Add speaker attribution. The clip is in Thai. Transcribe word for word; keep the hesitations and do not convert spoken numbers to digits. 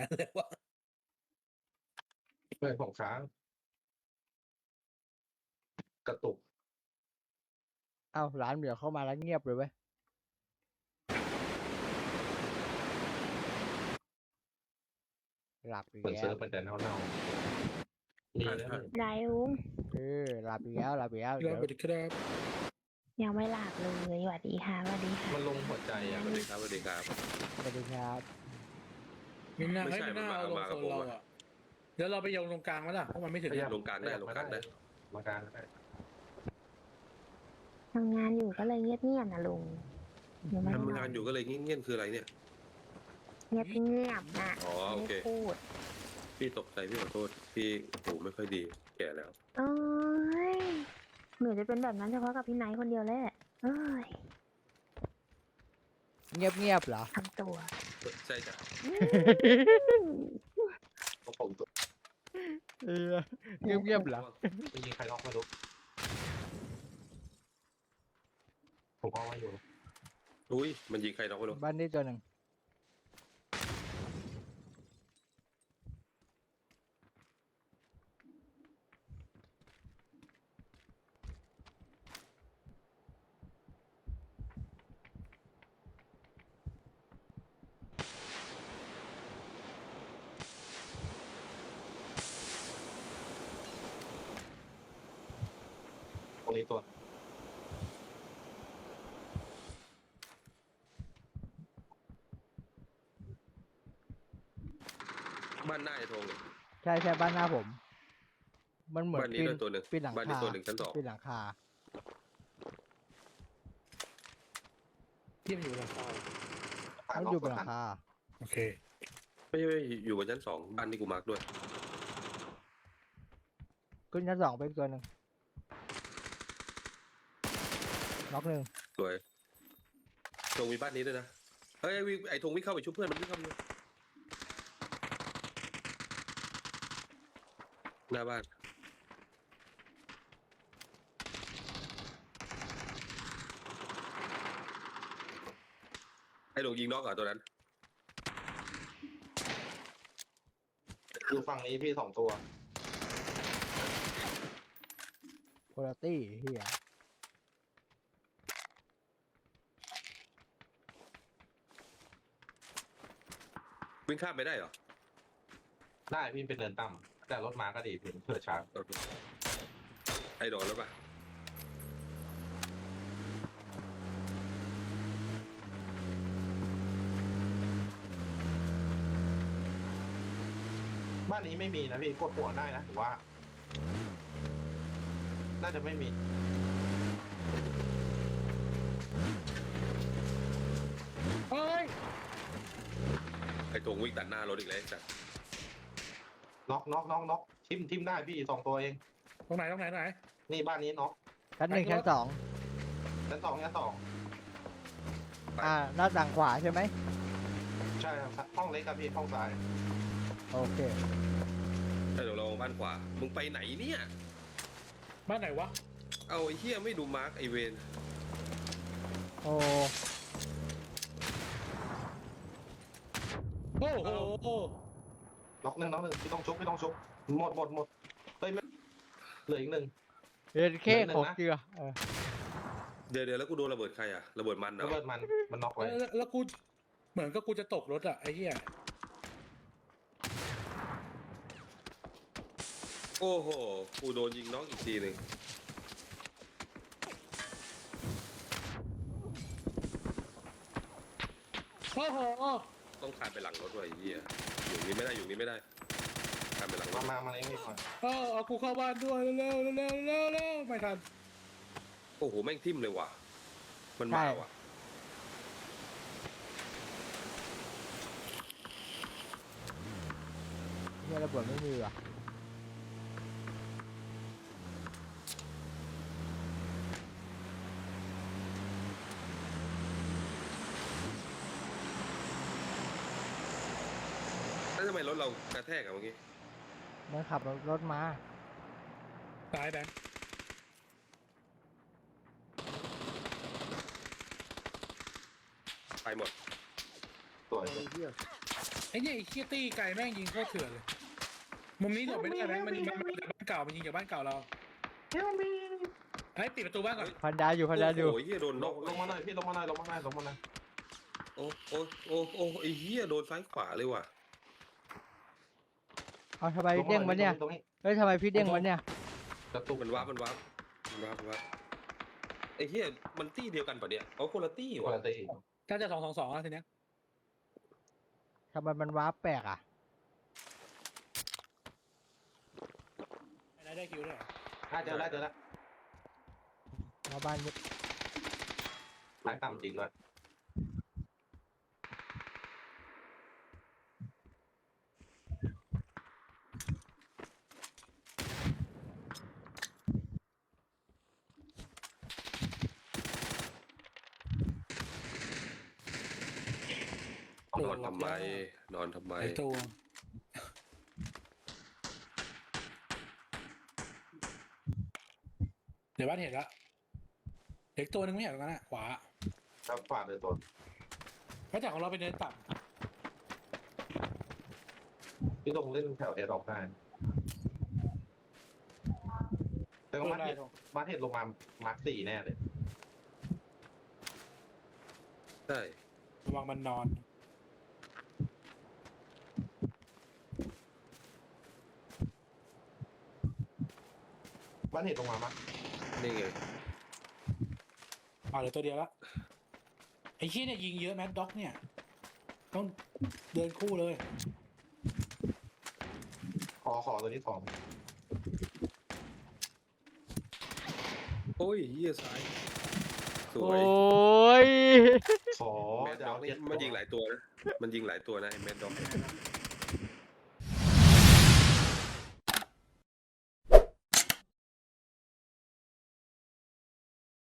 Speaker 1: เลยวะ
Speaker 2: เพื่อนของช้างกระตุก
Speaker 3: เอ้าร้านเดี๋ยวเข้ามาแล้วเงียบเลยเว้ยหลับอีก
Speaker 2: เหมือน
Speaker 3: แล้
Speaker 2: เซิร์
Speaker 3: ว
Speaker 2: ฟมันจะเน่าๆนี่นะ
Speaker 4: ได้ลุง
Speaker 3: เออหลับอีกแล้วหลับอีกแล้ว
Speaker 1: ค
Speaker 3: เดี๋
Speaker 1: รั
Speaker 3: ย
Speaker 1: บ
Speaker 3: ว
Speaker 1: สวัสดีครับ
Speaker 4: ยังไม่หลับเลยสวัสดีค่ะสวัสดีค่ะ
Speaker 2: มันลงหัวใจอ่ะ
Speaker 5: สวัสดีครับสวัสดีครับ
Speaker 3: สวัสดีครับ
Speaker 1: มินน่า
Speaker 5: ไม่
Speaker 1: ให้
Speaker 5: ใช่
Speaker 1: มินน่า
Speaker 5: มันมา
Speaker 1: เอาลง
Speaker 5: มา
Speaker 1: โซ
Speaker 5: กับ
Speaker 1: น
Speaker 5: ผม
Speaker 1: เรา
Speaker 5: อะ
Speaker 1: อ่ะเดี๋ยวเราไปโยงตรงกลางมั้ยล่ะเพราะมันไม่ถึง
Speaker 5: ลงกลางได้ลงกลางได้
Speaker 2: มากลางได้
Speaker 4: ทำงานอยู่ก็เลยเงียบๆนะลุงยังไม่ได้
Speaker 5: ทำ
Speaker 4: น
Speaker 5: งา
Speaker 4: อน น
Speaker 5: อยู่ก็เลยเงี้ยๆคืออะไรเนี่ย
Speaker 4: เงียบเงียบๆนะ
Speaker 5: อ๋อโอ
Speaker 4: ไม่
Speaker 5: เค
Speaker 4: ได้พูด
Speaker 5: พี่ตกใจพี่ขอโทษพี่หูไม่ค่อยดีแก่แล้ว
Speaker 4: เอ้ยหนูจะเป็นแบบนั้นเฉพาะกับพี่ไนท์คนเดียวแหละเอ้ย
Speaker 3: เงียบเงียบเหรอ
Speaker 4: ทำตัว
Speaker 5: ใช่จ้ะ
Speaker 2: ของผมตัว
Speaker 3: เออเงียบเงียบเหรอ
Speaker 2: ไม่ยิงใครล็อกไม่รู้ผมเอาไว้อยู่
Speaker 5: อุ้ยมันยิงใครน้องไม่รู้
Speaker 3: บ้านนี้ตัวหนึ่ง
Speaker 2: ตรงนี้ตัว
Speaker 5: บ้านหน้าไอ้ธงเนี่ย
Speaker 3: ใช่ใช่บ้านหน้าผม มันเหมือน
Speaker 5: บ้านนี้
Speaker 3: ปีน
Speaker 5: ด้วยตัวหนึ่ง
Speaker 3: ปีนหลัง
Speaker 5: บ้านนี้
Speaker 3: คา
Speaker 5: ตัวหนึ่งชั้นสอง
Speaker 3: ปีนหลังคา
Speaker 1: ที่มันอยู่หลังคา
Speaker 3: มันอยู่บนหลังคา
Speaker 1: โอเค
Speaker 5: ไม่ไม่อยู่บนชั้นสองบ้านที่กูมาร์กด้วย
Speaker 3: ขึ้นชั้นสองไปอีกตัวหนึ่งน็อกหนึ่ง
Speaker 5: สวยธงมีบ้านนี้ด้วยนะเฮ้ยไอ้วิไอ้ธงวิ่งเข้าไปชุบเพื่อนมันวิ่งเข้าไปเลยหน้าบ้านไอ้หลงยิงน็อกเหรอตัวนั้น
Speaker 2: อยู่ฝั่งนี้พี่สองตัว
Speaker 3: โคลตี้เฮีย
Speaker 5: วิ่งข้ามไปได้เหรอ
Speaker 2: ได้พี่เป็นเนินต่ำแต่รถมาก็ดีพี่เผื่อช้า
Speaker 5: โอเคไอ้โดนแล้วปะ
Speaker 2: บ้านนี้ไม่มีนะพี่กดหัวได้นะผมว่า น่าจะไม่มี
Speaker 1: เฮ้ย
Speaker 5: ไอ้ธงวิ่งตัดหน้ารถอีกแล้วไอ้สัส
Speaker 2: น็อกน็อกน็อกน็อกทิมทิมได้พี่สองตัวเอง
Speaker 1: ตรงไหนตรงไหนตรงไหน
Speaker 2: นี่บ้านนี้น็อก
Speaker 3: ชั้นหนึ่ง
Speaker 1: ไปรถ
Speaker 3: ชั้นสอง
Speaker 2: ชั้นสองชั้นสอง
Speaker 3: อ่าหน้าต่างขวาใช่ไหม
Speaker 2: ใช่ครับห้องเล็กครับพี่ห้องซ้าย
Speaker 3: โอเค
Speaker 5: ไอ้เดี๋ยวเราบ้านขวามึงไปไหนเนี่ย
Speaker 1: บ้านไหนวะ
Speaker 5: เอาไอ้เหี้ยไม่ดูมาร์กไอเวน
Speaker 3: โอ้
Speaker 1: โอ้โห
Speaker 2: น็อกหนึ่งน็อกหนึ่งพี่ต้องชุบพี่ต้องชุบหมดหมดหมดเฮ้ยไม่เหลืออีกหนึ่ง
Speaker 3: เอ็นเค
Speaker 2: เหลือหนึ่ง
Speaker 3: ของ
Speaker 2: นะ
Speaker 3: เกลือเออ
Speaker 5: เดี๋ยวเดี๋ยวแล้วกูโดนระเบิดใครอะระเบิดมันเหร
Speaker 2: ระ
Speaker 5: อ
Speaker 2: เบิดมันมันน็อกไว้
Speaker 1: แล้วแล้วกูเหมือนกับกูจะตกรถอ่ะไอ้เหี้ย
Speaker 5: โอ้โหกูโดนยิงน้องอีกทีหนึ่ง
Speaker 1: โอ้โห
Speaker 5: ต้องคานไปหลังรถด้วยไอ้เหี้ยอยู่นี่ไม่ได้อยู่นี่ไม่ได้คานไปหลังร
Speaker 2: มา
Speaker 5: ถ
Speaker 2: มามาเองพี่ก่อน
Speaker 1: เออเอากูเข้าบ้านด้วยเร็วเร็วเร็วเร็วเร็วไม่ทัน
Speaker 5: โอ้โหแม่งทิ่มเลยว่ะมันมาว่ะ
Speaker 3: เนี่ยระเบิดไม่มีว่ะ
Speaker 5: แล้วทำไมรถเรากระแทกอะเมื่อกี้
Speaker 3: มันขับรถมา
Speaker 1: ตายแบงค์
Speaker 5: ไปหมด
Speaker 2: สวย
Speaker 3: เฮีย
Speaker 1: ไอ้เนี่ยไอ้เคียตี้ไก่แม่งยิงโคตรเถื่อนเลยมุมนี้หลบไม่ได้แม่งมันมันมันจากบ้านเก่ามันยิงจากบ้านเก่าเรา
Speaker 2: เฮลมี
Speaker 1: เฮ้ยปิดประตูบ้านก่อน
Speaker 3: พันดาวอยู่พันดาวอยู่
Speaker 5: โอ้ยเฮียโดน
Speaker 2: ล
Speaker 5: นอง ก
Speaker 2: ลงมาหน่อยพี่ลงมาหน่อยลงมาหน่อยลงมาหน่อย
Speaker 5: โอ้โอ้โอ้โอ้ไอ้เฮียโดนซ้ายขวาเลยว่ะ
Speaker 3: เอาทำไมเด้งวะเนี่ย
Speaker 2: ตรงนี้
Speaker 3: เฮ้ยทำไมพี่เด้งวะเนี่ย
Speaker 2: กระตุก
Speaker 5: มันวับมันวับมันวับมันวับไอ้เฮียมันตี้เดียวกันปะเนี่ยเอาคนละตี้
Speaker 2: ป
Speaker 5: ว่ะ
Speaker 2: กติ
Speaker 1: น่าจะสองสองสองแล้วทีเนี้ย
Speaker 3: ทำไมมันว้าร์ปแปลกอ่ะ
Speaker 1: ได้ได้คิวด้วยเหรอ
Speaker 2: น่าเจอแล้วเจอแล้ว
Speaker 3: มาบ้านนี้
Speaker 2: หายต่ำจริงเลย
Speaker 5: นอนทำไมนอนทำไม
Speaker 1: ไอ้ตัวเดี๋ยวบ้านเห็นละเด็กตัวหนึงไม่เห็นตรงนั้นอะขวา
Speaker 2: ครับขวาเลยตัว
Speaker 1: เพราะจากของเราเป็นเนินต่
Speaker 2: พี่ต้องเล่นแถวเอดอกได้แต่
Speaker 1: ำ
Speaker 2: ก็
Speaker 1: เออ
Speaker 2: มา
Speaker 1: ได้
Speaker 2: เห็ด
Speaker 1: ตรง
Speaker 2: มาเห็ดลงมามาร์คสี่แน่เลย
Speaker 5: ใช่
Speaker 1: ระวังมันนอน
Speaker 2: บ้านเห็ดลงมามั้ย
Speaker 5: นี่ไง
Speaker 1: อ่าเหลือตัวเดียวละไอ้ขี้ยเนี่ยยิงเยอะแมดด็อกเนี่ย ต้องเดินคู่เลย
Speaker 2: ขอขอตัวนี้สอง
Speaker 5: โอ้ยเฮียซ้ายส
Speaker 3: โอ
Speaker 5: วย
Speaker 3: ้ย
Speaker 2: ขอ
Speaker 5: แมด
Speaker 2: จะ
Speaker 5: ด็อ
Speaker 2: เอา
Speaker 5: กนี่
Speaker 2: เจ็ด
Speaker 5: มันยิงหลายตัวนะมันยิงหลายตัวนะไอ้แมดด็อก